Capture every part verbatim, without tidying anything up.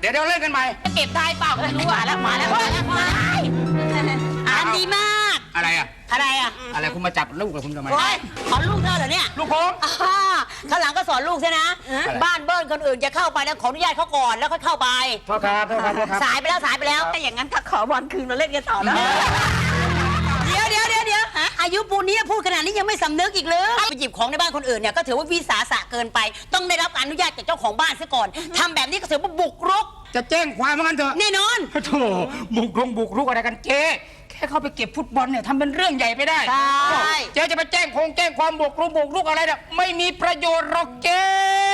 เดี๋ยวเดี๋ยวเล่นกันใหม่เก็บได้เปล่าไม่รู้อ่ะแล้วมาแล้วมาแล้วมาอ่านดีมากอะไรอ่ะอะไรอ่ะอะไรคุณมาจับลูกกับคุณทำไมโอ้ยสอนลูกเธอเหรอเนี่ยลูกผมข้างหลังก็สอนลูกใช่นะบ้านเบิ้ลคนอื่นจะเข้าไปนะขออนุญาตเขาก่อนแล้วค่อยเข้าไปโทษครับโทษครับโทษครับสายไปแล้วสายไปแล้วแต่อย่างนั้นถ้าขอบอลคืนมาเล่นกันต่อนะเดี๋ยวเดี๋ยวเดี๋ยวเดี๋ยวอายุปูนนี้พูดขนาดนี้ยังไม่สำนึกอีกเลยไปหยิบของในบ้านคนอื่นเนี่ยก็ถือว่าวิสาสะเกินไปต้องได้รับอนุญาตจากเจ้าของบ้านซะก่อนทำแบบนี้ก็ถือว่าบุกรุกจะแจ้งความว่างั้นเถอะแน่นอนโธ่บุกรุกบุกรุกอะไรกันเจ๊แค่เข้าไปเก็บฟุตบอลเนี่ยทำเป็นเรื่องใหญ่ไปได้เจ๊จะไปแจ้งคงแจ้งความบุกรุกบุกรุกอะไรเนี่ยไม่มีประโยชน์หรอกเจ๊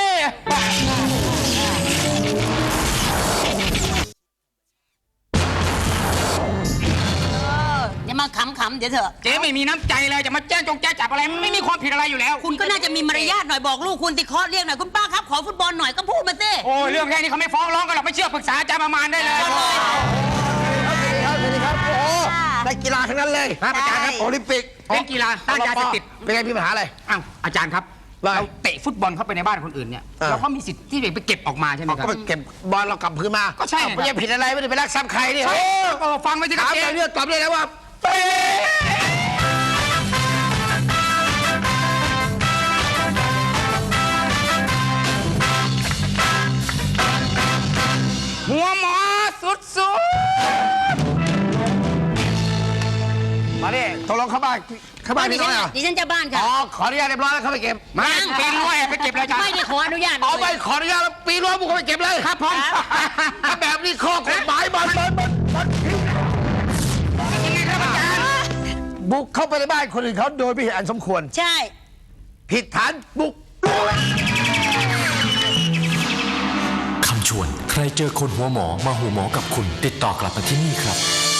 อย่ามาขำๆเดี๋ยวเถอะเจ๊ไม่มีน้ำใจเลยจะมาแจ้งจงแจ้งจับอะไรไม่มีความผิดอะไรอยู่แล้วคุณก็น่าจะมีมารยาทหน่อยบอกลูกคุณติเคาะเรียกหน่อยคุณป้าครับขอฟุตบอลหน่อยก็พูดมาสิโอ้ยเรื่องแค่นี้เขาไม่ฟ้องร้องกันหรอกไม่เชื่อปรึกษาอาจารย์ประมาณได้เลยสวัสดีครับโอ้นักกีฬาทั้งนั้นเลยครับอาจารย์ครับโอลิมปิกเล่นกีฬาต้านยาเสพติดเป็นไงมีปัญหาอะไรอ้าวอาจารย์ครับเราเตะฟุตบอลเข้าไปในบ้านคนอื่นเนี่ยเราก็มีสิทธิ์ที่จะไปเก็บออกมาใช่ไหมครับก็ไปเก็บบอลเรากลับคืนมาก็ใช่ไม่ได้ผิดอะไรไม่ได้ไปรักทรัพย์ใครนี่โอ้ฟังไปสิครับถามไปเรื่องตอบเลยแล้วว่าหัวหมอสุดสุดมาดิตกลงเข้าบ้านเข้าบ้านนี่ไงดิฉันจะบ้านค่ะอ๋อขออนุญาตเรียบร้อยแล้วเข้าไปเก็บมาปีนรั้วไปเก็บเลยจ้ะไม่ได้ขออนุญาตเอาไปขออนุญาตแล้วปีนรั้วบุกเข้าไปเก็บเลยครับผมถ้าแบบนี้ข้อกฎหมายบอลบอลบอลบอลยังไงครับอาจารย์บุกเข้าไปในบ้านคนอื่นเขาโดยไม่เห็นอันสมควรใช่ผิดฐานบุกคำชวนใครเจอคนหัวหมอมาหัวหมอกับคุณติดต่อกลับมาที่นี่ครับ